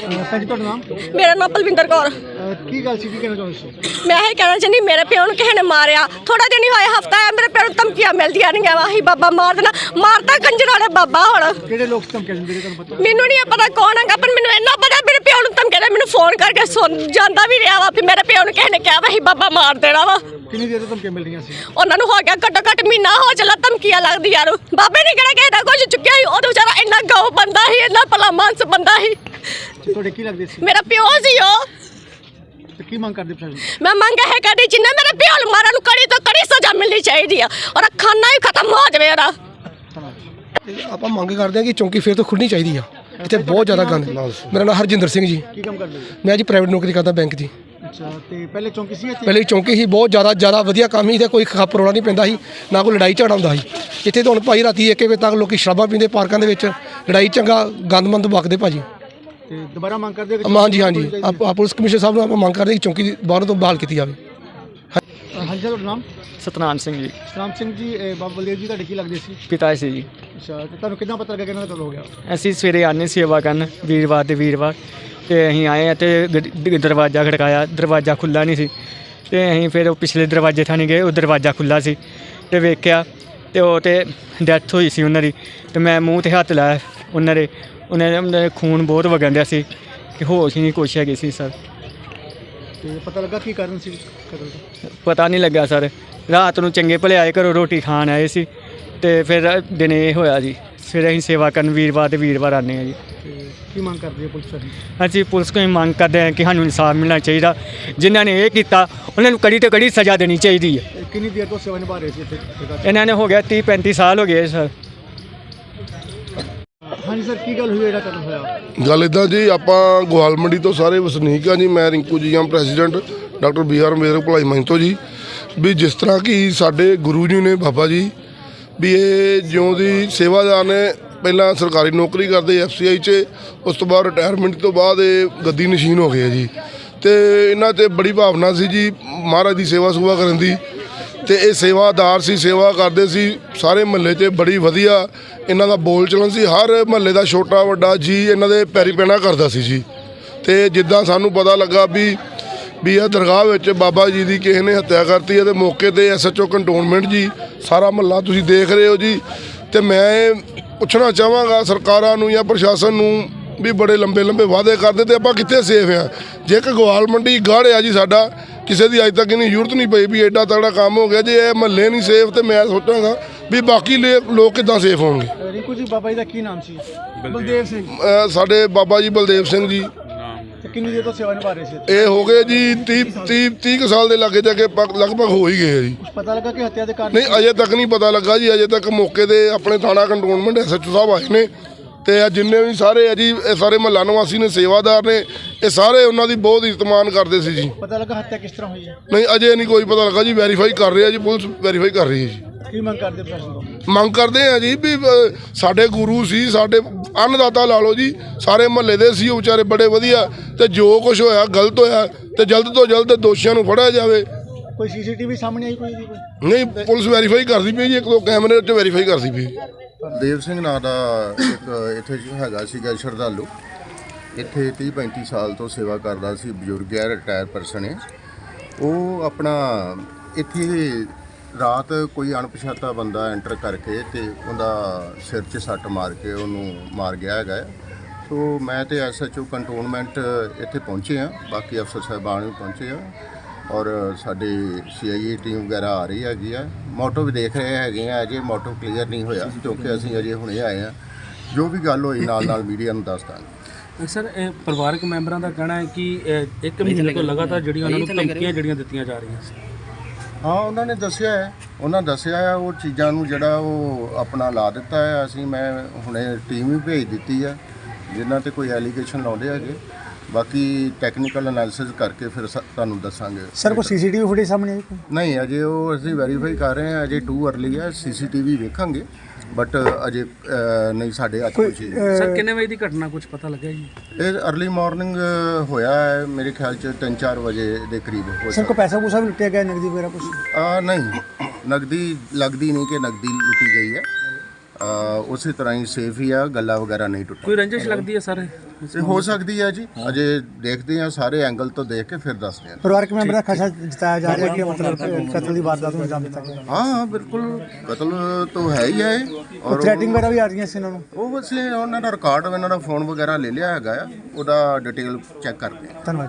मेरा नाम बलविंदर कौर। की गल सी, की कहना चाਹੁੰਦੇ ਸੀ? मैं यही कहना चाहती मेरे प्यो ਨੂੰ ਕਿਸੇ ਨੇ ਮਾਰਿਆ थोड़ा दिन ही होया हफ्ता है मेरे प्यो ਨੂੰ ਧਮਕੀਆਂ ਮਿਲਦੀਆਂ ਨਹੀਂ ਆਹੀ ਬਾਬਾ ਮਾਰ ਦੇਣਾ ਮਾਰਦਾ ਕੰਜਰ ਵਾਲੇ ਬਾਬਾ ਹੁਣ ਕਿਹੜੇ ਲੋਕ ਧਮਕੀਆਂ ਦਿੰਦੇ ਨੇ ਤੁਹਾਨੂੰ ਪਤਾ? ਮੈਨੂੰ ਨਹੀਂ ਪਤਾ ਕੌਣ ਹੈਗਾ ਪਰ ਮੈਨੂੰ ਇੰਨਾ ਪਤਾ ਮੇਰੇ ਪਿਓ ਨੂੰ ਧਮਕੀਆਂ ਦੇ ਮੈਨੂੰ ਫੋਨ ਕਰਕੇ ਸੁਣ ਜਾਂਦਾ ਵੀ ਰਿਹਾ ਵਾ ਵੀ ਮੇਰੇ ਪਿਓ ਨੂੰ ਕਿਸੇ ਨੇ ਕਿਹਾ ਵਾ ਅਸੀਂ ਬਾਬਾ ਮਾਰ ਦੇਣਾ ਵਾ। ਕਿੰਨੀ ਦੇਰ ਤੋਂ ਧਮਕੀਆਂ ਮਿਲ ਰਹੀਆਂ ਸੀ? ਉਹਨਾਂ ਨੂੰ ਹੋ ਗਿਆ ਘੱਟੋ ਘੱਟ ਮਹੀਨਾ ਹੋ ਚੱਲਾ ਧਮਕੀਆਂ ਲੱਗਦੀ ਯਾਰ ਬਾਬੇ ਨੇ ਕਿਹੜਾ ਕਿਸੇ ਦਾ ਕੁਝ ਚੁੱਕਿਆ ਸੀ ਉਹ ਤਾਂ ਵਿਚਾਰਾ ਇੰਨਾ ਗਾਉ ਬੰਦਾ ਸੀ ਇੰਨਾ ਭਲਾ ਮਾਨਸ ਬੰਦਾ ਸੀ। ਤੁਹਾਡੇ ਕੀ ਲੱਗਦੇ ਸੀ? ਮੇਰਾ ਪਿਓ ਸੀ ਉਹ। ਤੇ ਕੀ ਮੰਗ ਕਰਦੇ ਪ੍ਰਸ਼ਾਸਨ? ਮੈਂ ਮੰਗ ਹੈ ਕਰਦੀ ਜਿੰਨਾ ਮੇਰੇ ਪਿਓ ਨੂੰ ਮਾਰਨ ਨੂੰ ਕੜੀ ਤੋਂ ਕੜੀ ਸਜ਼ਾ ਮਿਲਣੀ ਚਾਹੀਦੀ ਆ ਔਰ ਖਾਨਾ ਹੀ ਖਤਮ ਹੋ ਜਾਵੇ ਉਹਦਾ। ਆਪਾਂ ਮੰਗ ਕਰਦੇ ਹਾਂ ਕਿ ਚੌਂਕੀ ਫੇਰ ਤੋਂ ਖੁੱਲਣੀ ਚਾਹੀਦੀ ਆ। ਇੱਥੇ ਬਹੁਤ ਜ਼ਿਆਦਾ ਗੰਦ। ਮੇਰਾ ਨਾਮ ਹਰਜਿੰਦਰ ਸਿੰਘ ਜੀ। ਕੀ ਕੰਮ ਕਰਦੇ ਹੋ? ਮੈਂ ਜੀ ਪ੍ਰਾਈਵੇਟ ਨੌਕਰੀ ਕਰਦਾ ਬੈਂਕ ਦੀ। ਅੱਛਾ, ਤੇ ਪਹਿਲੇ ਚੌਂਕੀ ਸੀ ਇੱਥੇ? ਪਹਿਲੇ ਚੌਂਕੀ ਸੀ ਬਹੁਤ ਜ਼ਿਆਦਾ ਵਧੀਆ ਕੰਮ ਸੀ ਤੇ ਕੋਈ ਖੱਪ ਰੋਲਾ ਨਹੀਂ ਪੈਂਦਾ ਸੀ ਨਾ ਕੋਈ ਲੜਾਈ ਝਗੜਾ ਹੁੰਦਾ ਸੀ। ਇੱਥੇ ਤਾਂ ਹੁਣ ਭਾਈ ਰਾਤੀ 1 ਵਜੇ ਤੱਕ ਲੋਕੀ ਸ਼ਰਾਬਾਂ ਪੀਂਦੇ ਪਾਰਕਾਂ ਦੇ ਵਿੱਚ ਲੜਾਈ ਚੰਗਾ ਗੰਦਮੰਦ ਵਗਦੇ ਭਾਜੀ। ਤੇ ਦੁਬਾਰਾ ਮੰਗ ਕਰਦੇ ਹੋ? ਹਾਂਜੀ ਆਪਾਂ ਪੁਲਿਸ ਕਮਿਸ਼ਨਰ ਸਾਹਿਬ ਨੂੰ ਆਪਾਂ ਮੰਗ ਕਰਦੇ ਕਿ ਚੌਂਕੀ ਬਾਹਰੋਂ ਤੋਂ ਬਹਾਲ ਕੀਤੀ ਜਾਵੇ। ਹਾਂਜੀ ਸਰ, ਤੁਹਾਡਾ ਨਾਮ? ਸਤਨਾਮ ਸਿੰਘ ਜੀ। ਸਤਨਾਮ ਸਿੰਘ ਜੀ, ਬਾਬਾ ਬਲਦੇਵ ਜੀ ਤੁਹਾਡੇ ਕੀ ਲੱਗਦੇ ਸੀ? ਪਿਤਾ ਸੀ ਜੀ। ਅੱਛਾ, ਤੇ ਤੁਹਾਨੂੰ ਕਿੱਦਾਂ ਪਤਾ ਲੱਗਾ ਕਿ ਇਹਨਾਂ ਦਾ ਕਤਲ ਹੋ ਗਿਆ? ਅਸੀਂ ਸਵੇਰੇ ਆਨੇ ਸੇਵਾ ਕਰਨ ਵੀਰਵਾਰ ਦੇ ਵੀਰਵਾਰ ਤੇ ਅਸੀਂ ਆਏ ਅਤੇ ਦਰਵਾਜ਼ਾ ਖੜਕਾਇਆ, ਦਰਵਾਜ਼ਾ ਖੁੱਲ੍ਹਾ ਨਹੀਂ ਸੀ ਤੇ ਅਸੀਂ ਫਿਰ ਉਹ ਪਿਛਲੇ ਦਰਵਾਜ਼ੇ ਥਾਣੀ ਗਏ, ਉਹ ਦਰਵਾਜ਼ਾ ਖੁੱਲ੍ਹਾ ਸੀ ਤੇ ਵੇਖਿਆ ਤੇ ਉਹ ਤੇ ਡੈਥ ਹੋਈ ਸੀ ਉਹਨਾਂ ਦੀ। ਤੇ ਮੈਂ ਮੂੰਹ 'ਤੇ ਹੱਥ ਲਾਇਆ ਉਹਨਾਂ ਦੇ ਖੂਨ ਬਹੁਤ ਵਗਣ ਡਿਆ ਸੀ ਕਿ ਹੋਸ਼ ਹੀ ਨਹੀਂ ਕੁਛ ਹੈਗੀ ਸੀ ਸਰ। ਤੇ ਪਤਾ ਲੱਗਾ ਕੀ ਕਾਰਨ ਸੀ ਕਤਲ ਦਾ? ਪਤਾ ਨਹੀਂ ਲੱਗਾ ਸਰ। ਰਾਤ ਨੂੰ ਚੰਗੇ ਭਲੇ ਆਏ ਘਰੋਂ ਰੋਟੀ ਖਾਣ ਆਏ ਸੀ ਤੇ ਫਿਰ ਦਿਨੇ ਇਹ ਹੋਇਆ ਜੀ। ਫਿਰ ਅਸੀਂ ਸੇਵਾ ਕਰਨ ਵੀਰਵਾਰ ਦੇ ਵੀਰਵਾਰ ਆਉਂਦੇ ਹਾਂ ਜੀ। ਤੇ ਕੀ ਮੰਗ ਕਰਦੇ ਹੋ ਪੁਲਿਸ ਤੋਂ? ਅਸੀਂ ਪੁਲਿਸ ਕੋਲ ਮੰਗ ਕਰਦੇ ਹਾਂ ਕਿ ਸਾਨੂੰ ਇਨਸਾਫ ਮਿਲਣਾ ਚਾਹੀਦਾ। ਜਿਨ੍ਹਾਂ ਨੇ ਇਹ ਕੀਤਾ ਉਹਨਾਂ ਨੂੰ ਕੜੀ ਤੋਂ ਕੜੀ ਸਜ਼ਾ ਦੇਣੀ ਚਾਹੀਦੀ ਹੈ। ਕਿੰਨੀ ਦੇਰ ਤੋਂ ਸੇਵਾ ਨਿਭਾ ਰਹੇ ਸੀ ਇੱਥੇ? ਇਹਨਾਂ ਨੇ ਹੋ ਗਿਆ 30-35 ਸਾਲ ਹੋ ਗਏ ਸਰ। ਹਾਂਜੀ ਸਰ, ਕੀ ਗੱਲ ਹੋਈ ਜਿਹੜਾ ਕਤਲ ਹੋਇਆ? ਗੱਲ ਇੱਦਾਂ ਜੀ, ਆਪਾਂ ਗੋਹਾਲ ਮੰਡੀ ਤੋਂ ਸਾਰੇ ਵਸਨੀਕ ਹਾਂ ਜੀ। ਮੈਂ ਰਿੰਕੂ ਜੀ ਹਾਂ, ਪ੍ਰੈਜ਼ੀਡੈਂਟ ਡਾਕਟਰ BR ਅੰਬੇਦਕਰ ਭਲਾਈ ਮੰਚ ਤੋਂ ਜੀ। ਵੀ ਜਿਸ ਤਰ੍ਹਾਂ ਕਿ ਸਾਡੇ ਗੁਰੂ ਜੀ ਨੇ ਬਾਬਾ ਜੀ ਵੀ ਇਹ ਜਿਉਂ ਦੀ ਸੇਵਾਦਾਰ ਨੇ ਪਹਿਲਾਂ ਸਰਕਾਰੀ ਨੌਕਰੀ ਕਰਦੇ FCI 'ਚ, ਉਸ ਤੋਂ ਬਾਅਦ ਰਿਟਾਇਰਮੈਂਟ ਤੋਂ ਬਾਅਦ ਇਹ ਗੱਦੀ ਨਸ਼ੀਨ ਹੋ ਗਏ ਆ ਜੀ। ਤੇ ਇਹਨਾਂ 'ਤੇ ਬੜੀ ਭਾਵਨਾ ਸੀ ਜੀ ਮਹਾਰਾਜ ਦੀ ਸੇਵਾ ਸੁਭਾ ਕਰਨ ਦੀ। ਤੇ ਇਹ ਸੇਵਾਦਾਰ ਸੀ, ਸੇਵਾ ਕਰਦੇ ਸੀ ਸਾਰੇ ਮਹੱਲੇ 'ਚ। ਬੜੀ ਵਧੀਆ ਇਹਨਾਂ ਦਾ ਬੋਲ ਚਲਨ ਸੀ। ਹਰ ਮਹੱਲੇ ਦਾ ਛੋਟਾ ਵੱਡਾ ਜੀ ਇਹਨਾਂ ਦੇ ਪੈਰੀ ਪੈਣਾ ਕਰਦਾ ਸੀ ਜੀ। ਤੇ ਜਿੱਦਾਂ ਸਾਨੂੰ ਪਤਾ ਲੱਗਾ ਵੀ ਇਹ ਦਰਗਾਹ ਵਿੱਚ ਬਾਬਾ ਜੀ ਦੀ ਕਿਸੇ ਨੇ ਹੱਤਿਆ ਕਰਤੀ ਹੈ ਤੇ ਮੌਕੇ ਤੇ SHO ਕੰਟੋਨਮੈਂਟ ਜੀ, ਸਾਰਾ ਮਹੱਲਾ ਤੁਸੀਂ ਦੇਖ ਰਹੇ ਹੋ ਜੀ। ਤੇ ਮੈਂ ਪੁੱਛਣਾ ਚਾਹਾਂਗਾ ਸਰਕਾਰਾਂ ਨੂੰ ਜਾਂ ਪ੍ਰਸ਼ਾਸਨ ਨੂੰ ਵੀ ਬੜੇ ਲੰਬੇ ਵਾਅਦੇ ਕਰਦੇ ਤੇ ਆਪਾਂ ਕਿੱਥੇ ਸੇਫ ਆ? ਜੇ ਕਿ ਗੋਹਾਲ ਮੰਡੀ ਗੜ੍ਹ ਆ ਜੀ ਸਾਡਾ, ਕਿਸੇ ਦੀ ਅੱਜ ਤੱਕ ਇੰਨੀ ਜ਼ਰੂਰਤ ਨਹੀਂ ਪਈ ਵੀ ਐਡਾ ਤਗੜਾ ਕੰਮ ਹੋ ਗਿਆ। ਜੇ ਇਹ ਮਹੱਲੇ ਨਹੀਂ ਸੇਫ ਤੇ ਮੈਂ ਸੋਚਾਂਗਾ ਵੀ ਬਾਕੀ ਲੋਕ ਕਿੱਦਾਂ ਸੇਫ ਹੋਣਗੇ। ਰਿੰਕੂ ਜੀ, ਬਾਬਾ ਜੀ ਦਾ ਕੀ ਨਾਮ ਸੀ? ਬਲਦੇਵ ਸਿੰਘ। ਸਾਡੇ ਬਾਬਾ ਜੀ ਬਲਦੇਵ ਸਿੰਘ ਜੀ। ਤੇ ਕਿੰਨੀ ਦੇਰ ਤੋਂ ਸੇਵਾ ਨਿਭਾ ਰਹੇ ਸੀ? ਇਹ ਹੋ ਗਏ ਜੀ 30 ਕੁ ਸਾਲ ਦੇ ਲਾਗੇ ਜਾ ਕੇ ਲਗਭਗ ਹੋ ਹੀ ਗਏ ਜੀ। ਪਤਾ ਲੱਗਾ ਕਿ ਹੱਤਿਆ ਦੇ ਕਾਰਨ? ਨਹੀਂ, ਅਜੇ ਤੱਕ ਨਹੀਂ ਪਤਾ ਲੱਗਾ ਜੀ। ਅਜੇ ਤੱਕ ਮੌਕੇ ਤੇ ਆਪਣੇ ਥਾਣਾ ਕੰਟੋਨਮੈਂਟ SHO ਸਾਹਿਬ ਆਏ ਨੇ ਤੇ ਆ ਜਿੰਨੇ ਵੀ ਸਾਰੇ ਆ ਜੀ, ਇਹ ਸਾਰੇ ਮਹੱਲਾ ਨਿਵਾਸੀ ਨੇ, ਸੇਵਾਦਾਰ ਨੇ, ਇਹ ਸਾਰੇ ਉਹਨਾਂ ਦੀ ਬਹੁਤ ਇੱਜ਼ਤ-ਮਾਨ ਕਰਦੇ ਸੀ ਜੀ। ਪਤਾ ਲੱਗਾ ਹੱਤਿਆ ਕਿਸ ਤਰ੍ਹਾਂ ਹੋਈ ਹੈ? ਨਹੀਂ, ਅਜੇ ਨਹੀਂ ਕੋਈ ਪਤਾ ਲੱਗਾ ਜੀ। ਵੈਰੀਫਾਈ ਕਰ ਰਹੇ ਆ ਜੀ, ਪੁਲਿਸ ਵੈਰੀਫਾਈ ਕਰ ਰਹੀ ਹੈ ਜੀ। ਕੀ ਮੰਗ ਕਰਦੇ ਪ੍ਰਸ਼ਾਸਨ ਤੋਂ? ਮੰਗ ਕਰਦੇ ਆ ਜੀ ਵੀ ਸਾਡੇ ਗੁਰੂ ਸੀ, ਸਾਡੇ ਅੰਨਦਾਤਾ ਲਾ ਲਓ ਜੀ, ਸਾਰੇ ਮਹੱਲੇ ਦੇ ਸੀ ਉਹ ਵਿਚਾਰੇ ਬੜੇ ਵਧੀਆ। ਤੇ ਜੋ ਕੁਝ ਹੋਇਆ ਗਲਤ ਹੋਇਆ ਤੇ ਜਲਦ ਤੋਂ ਜਲਦ ਦੋਸ਼ੀਆਂ ਨੂੰ ਫੜਿਆ ਜਾਵੇ। ਕੋਈ CCTV ਸਾਹਮਣੇ ਆਈ ਕੋਈ? ਨਹੀਂ, ਪੁਲਿਸ ਵੈਰੀਫਾਈ ਕਰਦੀ ਪਈ ਜੀ, 1-2 ਕੈਮਰੇ 'ਚ ਵੈਰੀਫਾਈ ਕਰਦੀ ਪਈ। ਦੇਵ ਸਿੰਘ ਨਾਂ ਦਾ ਇੱਕ ਇੱਥੇ ਹੈਗਾ ਸੀਗਾ ਸ਼ਰਧਾਲੂ। ਇੱਥੇ 30-35 ਸਾਲ ਤੋਂ ਸੇਵਾ ਕਰਦਾ ਸੀ। ਬਜ਼ੁਰਗ ਹੈ, ਰਿਟਾਇਰ ਪਰਸਨ ਹੈ ਉਹ। ਆਪਣਾ ਇੱਥੇ ਰਾਤ ਕੋਈ ਅਣਪਛਾਤਾ ਬੰਦਾ ਐਂਟਰ ਕਰਕੇ ਤੇ ਉਹਦਾ ਸਿਰ 'ਚ ਸੱਟ ਮਾਰ ਕੇ ਉਹਨੂੰ ਮਾਰ ਗਿਆ ਹੈਗਾ। ਸੋ ਮੈਂ ਤੇ SHO ਕੰਟੋਨਮੈਂਟ ਇੱਥੇ ਪਹੁੰਚੇ ਹਾਂ, ਬਾਕੀ ਅਫਸਰ ਸਾਹਿਬਾਨ ਵੀ ਪਹੁੰਚੇ ਆ ਔਰ ਸਾਡੀ CIA ਟੀਮ ਵਗੈਰਾ ਆ ਰਹੀ ਹੈਗੀ ਆ। ਮੋਟੋ ਵੀ ਦੇਖ ਰਹੇ ਹੈਗੇ ਆ। ਅਜੇ ਮੋਟੋ ਕਲੀਅਰ ਨਹੀਂ ਹੋਇਆ ਕਿਉਂਕਿ ਅਸੀਂ ਅਜੇ ਹੁਣੇ ਆਏ ਆ। ਜੋ ਵੀ ਗੱਲ ਹੋਈ ਨਾਲ ਮੀਡੀਆ ਨੂੰ ਦੱਸ ਦਾਂਗੇ। ਸਰ, ਪਰਿਵਾਰਕ ਮੈਂਬਰਾਂ ਦਾ ਕਹਿਣਾ ਹੈ ਕਿ 1 ਮਹੀਨੇ ਤੋਂ ਲਗਾਤਾਰ ਜਿਹੜੀਆਂ ਉਹਨਾਂ ਨੂੰ ਧਮਕੀਆਂ ਜਿਹੜੀਆਂ ਦਿੱਤੀਆਂ ਜਾ ਰਹੀਆਂ ਸੀ। ਹਾਂ, ਉਹਨਾਂ ਨੇ ਦੱਸਿਆ ਹੈ, ਉਹ ਚੀਜ਼ਾਂ ਨੂੰ ਜਿਹੜਾ ਉਹ ਆਪਣਾ ਲਾ ਦਿੱਤਾ ਹੈ। ਮੈਂ ਹੁਣੇ ਟੀਮ ਵੀ ਭੇਜ ਦਿੱਤੀ ਹੈ ਜਿਨ੍ਹਾਂ 'ਤੇ ਕੋਈ ਐਲੀਗੇਸ਼ਨ ਲਾਉਂਦੇ ਹੈਗੇ। ਬਾਕੀ ਟੈਕਨੀਕਲ ਐਨਾਲਿਸਿਸ ਕਰਕੇ ਫਿਰ ਤੁਹਾਨੂੰ ਦੱਸਾਂਗੇ। ਸਰ, ਕੋਈ CCTV ਫੁਟੇਜ ਸਾਹਮਣੇ ਆਈ? ਨਹੀਂ, ਅਜੇ ਉਹ ਅਸੀਂ ਵੈਰੀਫਾਈ ਕਰ ਰਹੇ ਹਾਂ। ਅਜੇ ਟੂ ਅਰਲੀ ਹੈ, CCTV ਵੇਖਾਂਗੇ ਬਟ ਅਜੇ ਨਹੀਂ ਸਾਡੇ ਹੱਥ ਕੁਝ। ਸਰ, ਕਿੰਨੇ ਵਜੇ ਦੀ ਘਟਨਾ ਕੁਝ ਪਤਾ ਲੱਗਿਆ ਜੀ? ਇਹ ਅਰਲੀ ਮਾਰਨਿੰਗ ਹੋਇਆ ਹੈ, ਮੇਰੇ ਖਿਆਲ 'ਚ 3-4 ਵਜੇ ਦੇ ਕਰੀਬ ਹੋ ਸਰ, ਕੋਈ ਪੈਸਾ ਪੂਸਾ ਵੀ ਲੁੱਟਿਆ ਗਿਆ, ਨਗਦੀ ਵਗੈਰਾ ਕੁਝ? ਨਹੀਂ, ਨਗਦੀ ਲੱਗਦੀ ਨਹੀਂ ਕਿ ਨਗਦੀ ਲੁੱਟੀ ਗਈ ਹੈ। ਉਸੇ ਤਰ੍ਹਾਂ ਹੀ ਸੇਫ ਹੀ ਆ, ਗੱਲਾਂ ਵਗੈਰਾ ਨਹੀਂ ਟੁੱਟੀਆਂ। ਕੋਈ ਰੰਜਿਸ਼ ਲੱਗਦੀ ਹੈ ਸਰ? ਤੇ ਹੋ ਸਕਦੀ ਹੈ ਜੀ, ਅਜੇ ਦੇਖਦੇ ਹਾਂ ਸਾਰੇ ਐਂਗਲ ਤੋਂ ਦੇਖ ਕੇ ਫਿਰ ਦੱਸਦੇ ਹਾਂ। ਪਰਿਵਾਰਕ ਮੈਂਬਰ ਦਾ ਖਦਸ਼ਾ ਜਤਾਇਆ ਜਾ ਰਿਹਾ ਕਿ ਮਤਲਬ ਕਤਲ ਦੀ ਵਾਰਦਾਤ ਨੂੰ ਅੰਜਾਮ ਦਿੱਤਾ ਗਿਆ। ਹਾਂ ਬਿਲਕੁਲ, ਕਤਲ ਤਾਂ ਹੈ ਹੀ ਹੈ। ਔਰ ਥ੍ਰੈਟਿੰਗ ਵਗੈਰਾ ਵੀ ਆ ਰਹੀਆਂ ਸੀ ਇਹਨਾਂ ਨੂੰ। ਉਹ ਬਸ ਉਹਨਾਂ ਦਾ ਰਿਕਾਰਡ, ਉਹਨਾਂ ਦਾ ਫੋਨ ਵਗੈਰਾ ਲੈ ਲਿਆ ਹੈਗਾ ਆ, ਉਹਦਾ ਡਿਟੇਲ ਚੈੱਕ ਕਰਦੇ ਹਾਂ। ਧੰਨਵਾਦ।